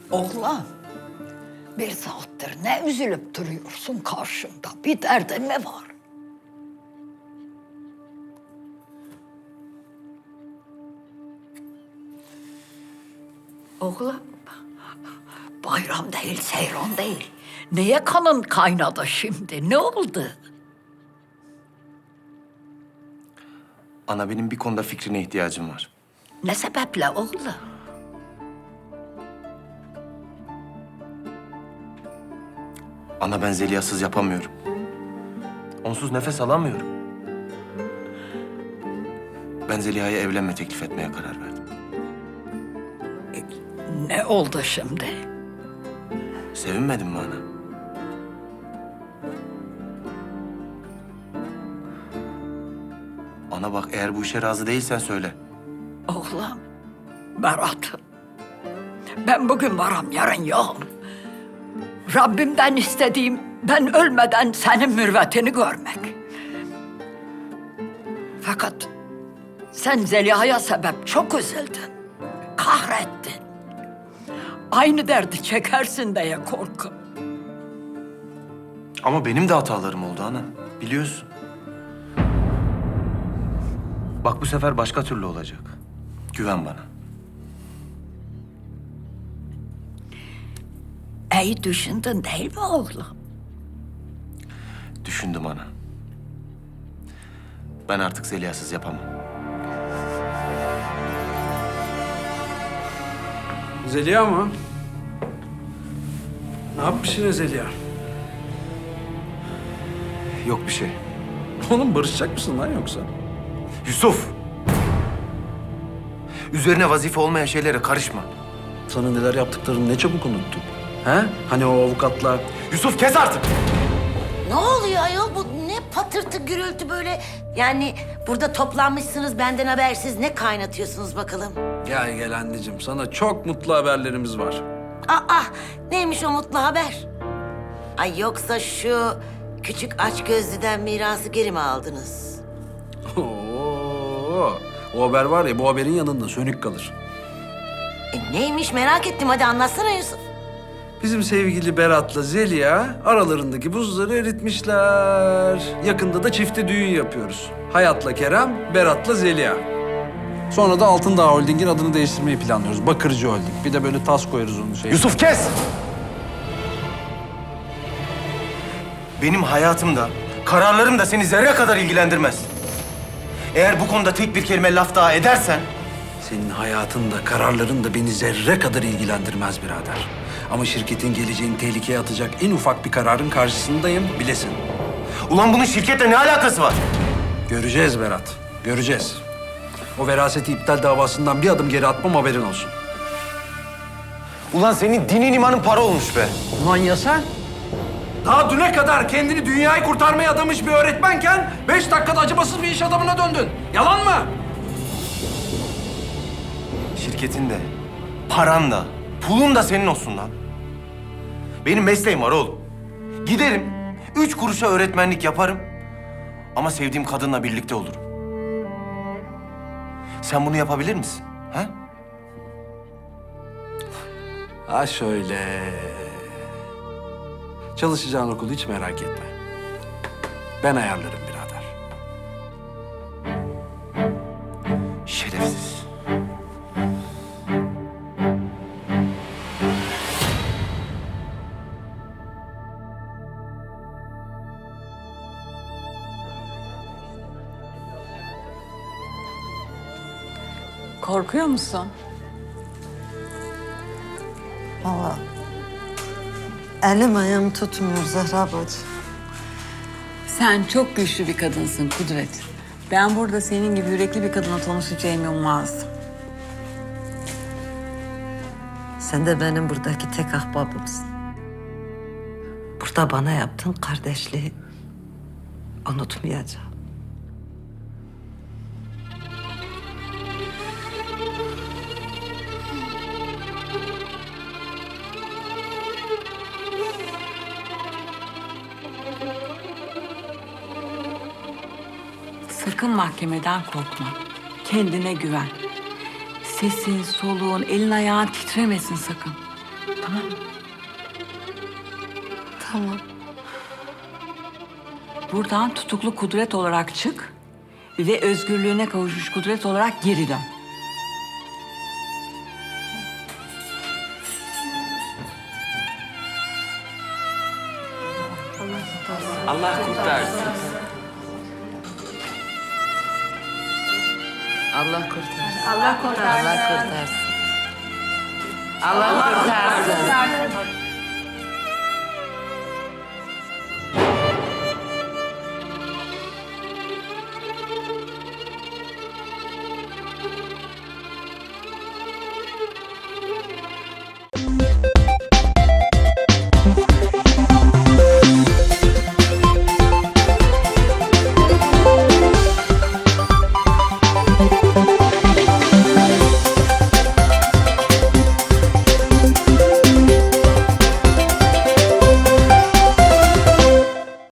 Oğlan, bir saattir ne üzülüp duruyorsun karşımda? Bir derdin mi var? Oğlum, bayram değil, seyran değil. Neye kanın kaynadı şimdi? Ne oldu? Ana benim bir konuda fikrine ihtiyacım var. Ne sebeple oğlum? Ana ben Zeliha'sız yapamıyorum. Onsuz nefes alamıyorum. Ben Zeliha'ya evlenme teklif etmeye karar verdim. Ne oldu şimdi? Sevinmedin mi ana? Ana bak eğer bu işe razı değilsen söyle. Oğlum, Berat. Ben bugün varım, yarın yokum. Rabbimden istediğim ben ölmeden senin mürvetini görmek. Fakat sen Zeliha'ya sebep çok üzüldün. Kahrettin. Aynı derdi çekersin diye korkum. Ama benim de hatalarım oldu ana. Biliyorsun. Bak bu sefer başka türlü olacak. Güven bana. İyi düşündün değil mi oğlum? Düşündüm ana. Ben artık Zeliha'sız yapamam. Zeliha mı? Ne yapmış yine Zeliha? Yok bir şey. Oğlum barışacak mısın lan yoksa? Yusuf! Üzerine vazife olmayan şeylere karışma. Sana neler yaptıklarını ne çabuk unuttun. He? Hani o avukatla... Yusuf kes artık! Ne oluyor ayol? Bu ne patırtı gürültü böyle? Yani burada toplanmışsınız benden habersiz. Ne kaynatıyorsunuz bakalım? Gel gel anneciğim, sana çok mutlu haberlerimiz var. Aa, neymiş o mutlu haber? Ay yoksa şu küçük aç gözlüden mirası geri mi aldınız? Oo, o haber var ya, bu haberin yanında sönük kalır. Neymiş merak ettim. Hadi anlatsana Yusuf. Bizim sevgili Berat'la Zeliha aralarındaki buzları eritmişler. Yakında da çifte düğün yapıyoruz. Hayat'la Kerem, Berat'la Zeliha. Sonra da Altındağ Holding'in adını değiştirmeyi planlıyoruz. Bakırcı Holding. Bir de böyle tas koyarız onun şeyine. Yusuf kes! Benim hayatımda, kararlarım da seni zerre kadar ilgilendirmez. Eğer bu konuda tek bir kelime laf daha edersen... Senin hayatın da kararların da beni zerre kadar ilgilendirmez birader. Ama şirketin geleceğini tehlikeye atacak en ufak bir kararın karşısındayım, bilesin. Ulan bunun şirketle ne alakası var? Göreceğiz Berat, göreceğiz. O veraseti iptal davasından bir adım geri atmam, haberin olsun. Ulan senin dinin imanın para olmuş be. Ulan ya sen? Daha düne kadar kendini dünyayı kurtarmaya adamış bir öğretmenken 5 dakikada acımasız bir iş adamına döndün. Yalan mı? Şirketin de, paran da, pulun da senin olsun lan. Benim mesleğim var oğlum. Giderim, 3 kuruşa öğretmenlik yaparım. Ama sevdiğim kadınla birlikte olurum. Sen bunu yapabilir misin? Ha? Ha şöyle. Çalışacağın okulu hiç merak etme. Ben ayarlarım birader. Şerefsiz. Korkuyor musun? Vallahi elim ayağım tutmuyor Zehra bacı. Sen çok güçlü bir kadınsın Kudret. Ben burada senin gibi yürekli bir kadınla tanışacağımı ummazdım. Sen de benim buradaki tek ahbabımsın. Burada bana yaptığın kardeşliği unutmayacağım. Sakın mahkemeden korkma. Kendine güven. Sesin, soluğun, elin ayağın titremesin sakın. Tamam. Buradan tutuklu Kudret olarak çık ve özgürlüğüne kavuşmuş Kudret olarak geri dön. Allah kurtarsın. Allah kurtarsın. Allah kurtarsın. Allah kurtarsın. Allah kurtarsın.